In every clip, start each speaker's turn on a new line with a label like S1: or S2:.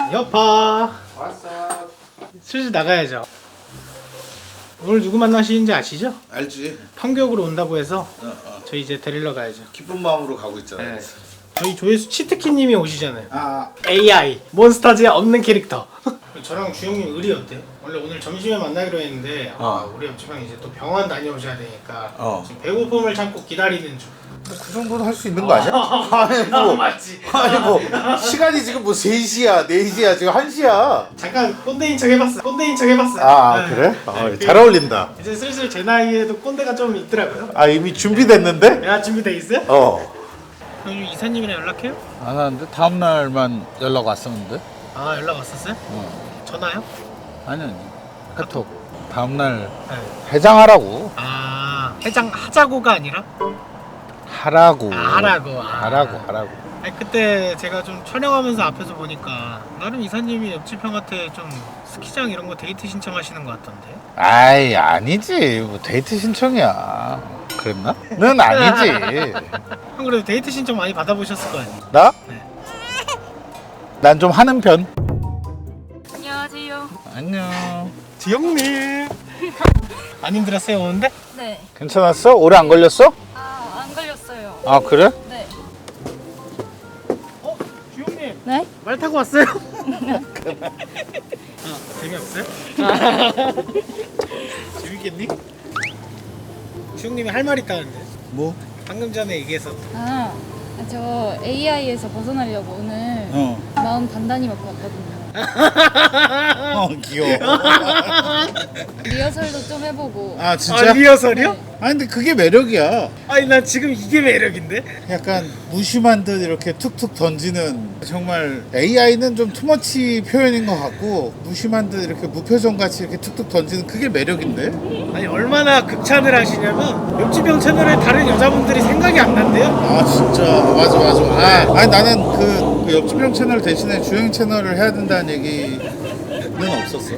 S1: 여파
S2: 왔어.
S1: 슬슬 나가야죠. 오늘 누구 만나시는지 아시죠?
S2: 알지?
S1: 판교역으로 온다고 해서
S2: 어.
S1: 저희 이제 데리러 가야죠.
S2: 기쁜 마음으로 가고 있잖아.
S1: 네. 저희 조회수 치트키님이 오시잖아요.
S2: 아,
S1: AI 몬스타즈에 없는 캐릭터. 저랑 주영님 의리 어때요? 원래 오늘 점심에 만나기로 했는데 우리 옆집 형 이제 또 병원 다녀오셔야 되니까 지금 배고픔을 참고 기다리는 중.
S2: 그 정도는 할 수 있는 거 아니야? 아니 뭐,
S1: 맞지.
S2: 아니 뭐 시간이 지금 뭐 3시야, 4시야, 지금 1시야.
S1: 잠깐 꼰대인 척 해봤어.
S2: 아,
S1: 네.
S2: 그래?
S1: 네,
S2: 잘 어울린다.
S1: 이제 슬슬 제 나이에도 꼰대가 좀 있더라고요.
S2: 아, 이미 준비됐는데?
S1: 내가 준비돼 있어요?
S2: 형
S1: 이사님이랑 연락해요?
S3: 안 하는데 다음 날만 연락 왔었는데.
S1: 아 연락 왔었어요? 전화요?
S3: 아니 카톡. 다음 날
S1: 네.
S3: 해장하라고.
S1: 아 해장 하자고가 아니라?
S3: 하라고.
S1: 하라고.
S3: 하라고.
S1: 아니, 그때 제가 좀 촬영하면서 앞에서 보니까 나름 이사님이 옆집 형한테 좀 스키장 이런 거 데이트 신청하시는 것 같던데.
S3: 아이 아니지. 뭐 데이트 신청이야. 그랬나? 는 아니지.
S1: 형 그래도 데이트 신청 많이 받아보셨을 거 아니에요?
S3: 나?
S1: 네.
S3: 난 좀 하는 편.
S4: 안녕하세요.
S3: 안녕.
S1: 지영님. 안 힘들었어요 오는데?
S4: 네.
S3: 괜찮았어? 오래 안 걸렸어?
S4: 아, 안 걸렸어요.
S3: 아 그래?
S4: 네.
S1: 지영님.
S4: 네?
S1: 말 타고 왔어요? 재미없어요? 재밌겠니? 지영님이 할 말 있다는데.
S3: 뭐?
S1: 방금 전에 얘기해서.
S4: 저 AI에서 벗어나려고 오늘 마음 단단히 먹고 왔거든요.
S3: 귀여워.
S4: 리허설도 좀 해보고.
S3: 아 진짜?
S1: 리허설이요?
S4: 네.
S3: 아니 근데 그게 매력이야.
S1: 아니 난 지금 이게 매력인데?
S3: 약간 무심한 듯 이렇게 툭툭 던지는. 정말 AI는 좀 투머치 표현인 것 같고 무심한 듯 이렇게 무표정 같이 이렇게 툭툭 던지는 그게 매력인데.
S1: 아니 얼마나 극찬을 하시냐면 옆집 형 채널에 다른 여자분들이 생각이 안 난대요?
S3: 아 진짜 맞아. 아니 나는 그 옆집 형 채널 대신에 주행 채널을 해야 된다는 얘기는 없었어.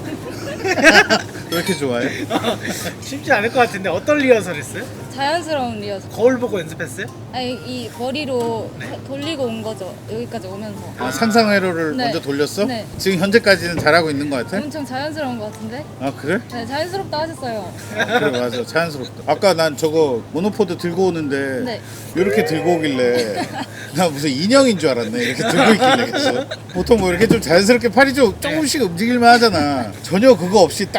S3: 왜 이렇게 좋아해?
S1: 쉽지 않을 것 같은데 어떤 리허설 했어요?
S4: 자연스러운 리허설.
S1: 거울 보고 연습했어요?
S4: 아니, 이 머리로 돌리고 온 거죠. 여기까지 오면서.
S3: 아, 상상 회로를
S4: 네.
S3: 먼저 돌렸어?
S4: 네.
S3: 지금 현재까지는 잘하고 있는 것 같아?
S4: 엄청 자연스러운 것 같은데?
S3: 아 그래?
S4: 네, 자연스럽다 하셨어요.
S3: 그래 맞아 자연스럽다. 아까 난 저거 모노포드 들고 오는데
S4: 네.
S3: 이렇게 들고 오길래 나 무슨 인형인 줄 알았네. 이렇게 들고 있길래 계속. 보통 뭐 이렇게 좀 자연스럽게 팔이 좀 조금씩 움직일만 하잖아. 전혀 그거 없이 딱.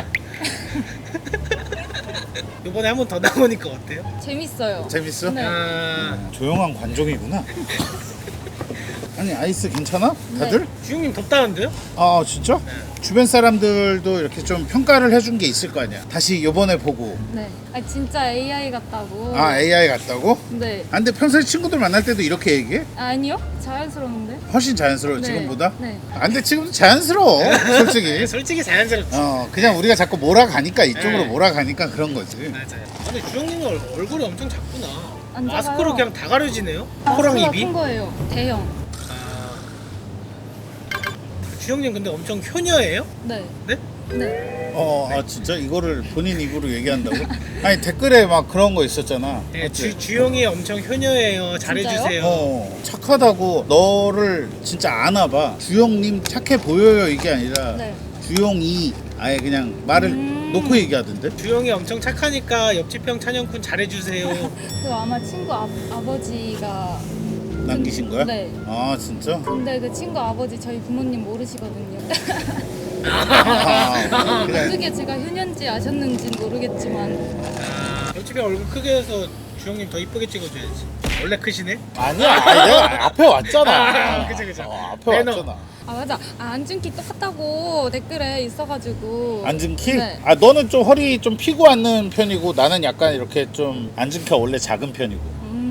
S1: 이번에 한 번 더 나오니까 어때요?
S4: 재밌어요.
S3: 재밌어?
S4: 네.
S3: 조용한 관종이구나. 아니 아이스 괜찮아? 다들?
S1: 주영님 덥다는데요?
S3: 아 진짜? 주변 사람들도 이렇게 좀 평가를 해준 게 있을 거 아니야. 다시 요번에 보고.
S4: 네. 아, 진짜 AI 같다고.
S3: 아 AI 같다고?
S4: 네.
S3: 아 근데 평소에 친구들 만날 때도 이렇게 얘기해?
S4: 아니요? 자연스러운데?
S3: 훨씬 자연스러워
S4: 네.
S3: 지금보다?
S4: 네.
S3: 아 근데 지금도 자연스러워 솔직히.
S1: 솔직히 자연스럽지.
S3: 그냥 우리가 자꾸 몰아가니까 이쪽으로
S1: 네.
S3: 몰아가니까 그런 거지.
S1: 맞아요. 근데 주영님은 얼굴이 엄청 작구나.
S4: 안
S1: 마스크로
S4: 작아요.
S1: 그냥 다 가려지네요. 코랑
S4: 마스크가
S1: 입이.
S4: 큰 거예요. 대형.
S1: 주영님 근데 엄청 효녀예요?
S4: 네.
S1: 네?
S4: 네.
S3: 아 진짜 이거를 본인 입으로 얘기한다고? 아니 댓글에 막 그런 거 있었잖아.
S1: 네,
S3: 맞지?
S1: 주영이 엄청 효녀예요. 잘해주세요.
S3: 착하다고. 너를 진짜 아나봐. 주영님 착해 보여요 이게 아니라
S4: 네.
S3: 주영이 아예 그냥 말을 놓고 얘기하던데.
S1: 주영이 엄청 착하니까 옆집 형 찬영군 잘해주세요.
S4: 그 아마 친구 아버지가
S3: 남기신 거야?
S4: 네.
S3: 아 진짜?
S4: 근데 그 친구 아버지 저희 부모님 모르시거든요.
S3: 아, 그래.
S4: 어떻게 제가 효년지 아셨는지 모르겠지만
S1: 옆집에 얼굴 크게 해서 주영님 더 이쁘게 찍어줘야지. 원래 크시네?
S3: 아니야. 아니, 내가 앞에 왔잖아.
S1: 그죠.
S3: 앞에
S1: 매너.
S3: 왔잖아.
S4: 아 맞아. 앉은 키 똑같다고 댓글에 있어가지고
S3: 앉은 키?
S4: 네.
S3: 아 너는 좀 허리 좀 피고 앉는 편이고 나는 약간 이렇게 좀 앉은 키가 원래 작은 편이고.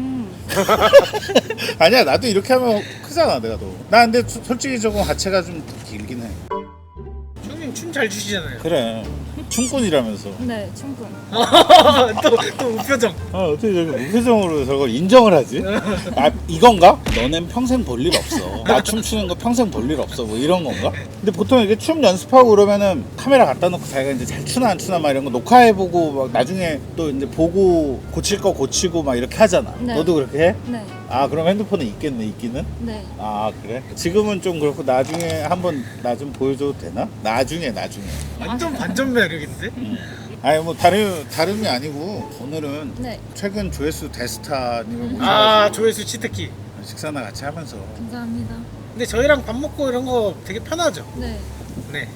S3: 아니야 나도 이렇게 하면 크잖아 내가 더. 나 근데 솔직히 조금 하체가 좀 길긴 해.
S1: 주영님 춤 잘 추시잖아요.
S3: 그래 춤꾼이라면서.
S4: 네 충분.
S1: 또 우표정.
S3: 아 어떻게 저렇게 무표정으로 저걸 인정을 하지? 아 이건가? 너넨 평생 볼 일 없어. 나 춤추는 거 평생 볼 일 없어 뭐 이런 건가? 근데 보통 이렇게 춤 연습하고 그러면은 카메라 갖다 놓고 자기가 이제 잘 추나 안 추나 막 이런 거 녹화해보고 막 나중에 또 이제 보고 고칠 거 고치고 막 이렇게 하잖아.
S4: 네.
S3: 너도 그렇게 해?
S4: 네.
S3: 아 그럼 핸드폰은 있겠네 있기는?
S4: 네.
S3: 아 그래? 지금은 좀 그렇고 나중에 한번 나 좀 보여줘도 되나? 나중에
S1: 완전 반전 매력인데?
S3: 아니 뭐 다름이 아니고 오늘은
S4: 네.
S3: 최근 조회수 대스타님을 모셔가지고
S1: 아 조회수 치트키.
S3: 식사나 같이 하면서
S4: 감사합니다.
S1: 근데 저희랑 밥 먹고 이런 거 되게 편하죠?
S4: 네.
S1: 네.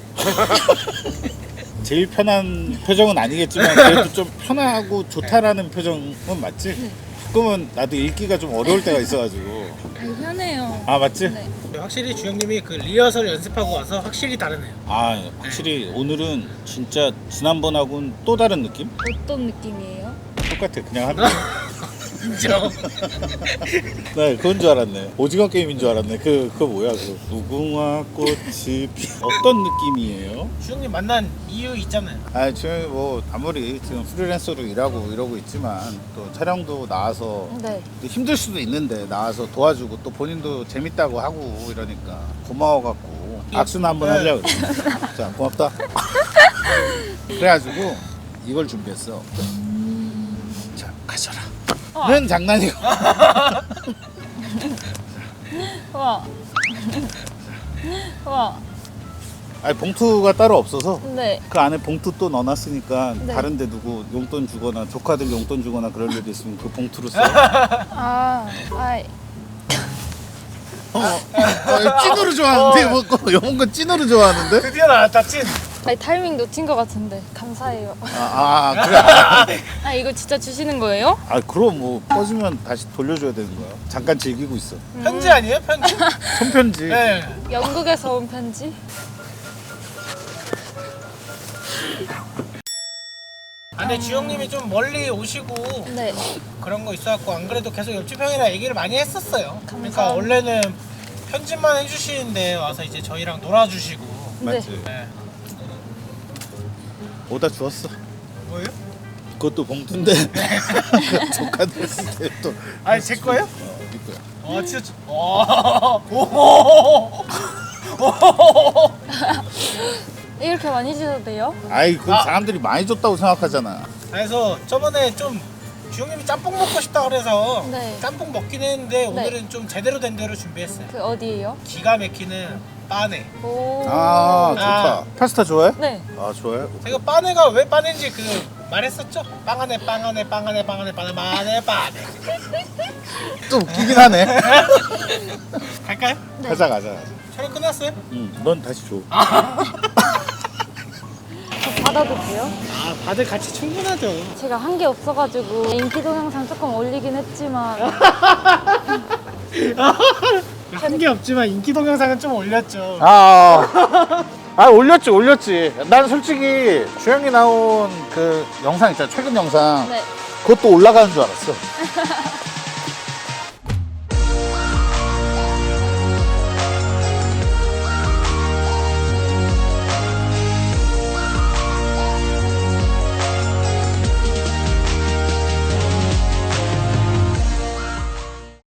S3: 제일 편한 표정은 아니겠지만 그래도 좀 편하고 좋다라는 표정은 맞지?
S4: 네.
S3: 가끔은 나도 읽기가 좀 어려울 때가 있어가지고
S4: 아니, 편해요.
S3: 아 맞지?
S4: 네.
S1: 확실히 주영님이 그 리허설 연습하고 와서 확실히 다르네요.
S3: 아 확실히 오늘은 진짜 지난번하고는 또 다른 느낌?
S4: 어떤 느낌이에요?
S3: 똑같아 그냥 하는 거.
S1: 인정.
S3: 네 그건 줄 알았네. 오징어 게임인 줄 알았네. 그거 뭐야 그 무궁화 꽃이 피 어떤 느낌이에요?
S1: 주영님 만난 이유 있잖아요.
S3: 아 지금 뭐 아무리 지금 프리랜서로 일하고 이러고 있지만 또 촬영도 나와서
S4: 네.
S3: 힘들 수도 있는데 나와서 도와주고 또 본인도 재밌다고 하고 이러니까 고마워갖고 악수나 한번 하려고 그래. 자 고맙다. 그래가지고 이걸 준비했어. 자 가져라. 는 장난이고.
S4: 와. 와.
S3: 아니 봉투가 따로 없어서
S4: 네.
S3: 그 안에 봉투 또 넣어놨으니까
S4: 네.
S3: 다른데 누구 용돈 주거나 조카들 용돈 주거나 그럴 일이 있으면 그 봉투로 써.
S4: 아, 아이.
S3: 찐으로 좋아하는데 뭐 이런 거 찐으로 좋아하는데?
S1: 드디어 나왔다 찐.
S4: 아니 타이밍 놓친 것 같은데 감사해요.
S3: 그래.
S4: 아 이거 진짜 주시는 거예요?
S3: 아 그럼 뭐 꺼지면 다시 돌려줘야 되는 거야. 잠깐 즐기고 있어.
S1: 편지 아니에요? 편지?
S3: 손편지.
S1: 네.
S4: 영국에서 온 편지?
S1: 아, 근데 주영님이 좀 멀리 오시고
S4: 네.
S1: 그런 거 있어갖고 안 그래도 계속 옆집 형이랑 얘기를 많이 했었어요. 그러니까
S4: 감사합니다.
S1: 원래는 편집만 해주시는데 와서 이제 저희랑 놀아주시고.
S3: 맞지?
S1: 네.
S3: 오다 주웠어.
S1: 뭐예요?
S3: 그것도 봉투인데 조카들 쓸 때 또.
S1: 아니 제 거예요?
S3: 네 거야.
S1: 아 진짜. 오.
S4: 이렇게 많이 주셔도 돼요?
S3: 아이 그 사람들이 많이 줬다고 생각하잖아.
S1: 그래서 저번에 좀 주영님이 짬뽕 먹고 싶다 그래서
S4: 네.
S1: 짬뽕 먹긴 했는데 오늘은 좀 제대로 된 대로 준비했어요.
S4: 그 어디예요?
S1: 기가 막히는 빠네.
S4: 오.
S3: 아 좋다. 파스타 좋아해?
S4: 네.
S3: 아 좋아해.
S1: 제가 빠네가 왜 빠네인지 그 말했었죠? 빵 안에 빵 안에 빵 안에 빵 안에 빵 안에 빠네.
S3: 좀 웃기긴 하네.
S1: 갈까요?
S4: 네.
S3: 가자.
S1: 촬영 끝났어요?
S3: 응, 넌 다시 줘.
S4: 저 받아도 돼요?
S1: 아 다들 같이 충분하죠.
S4: 제가 한 게 없어가지고 인기 동영상 조금 올리긴 했지만
S1: 한 게 없지만 인기 동영상은 좀 올렸죠.
S3: 올렸지. 난 솔직히 주영이 나온 그 영상 있잖아, 최근 영상.
S4: 네.
S3: 그것도 올라가는 줄 알았어.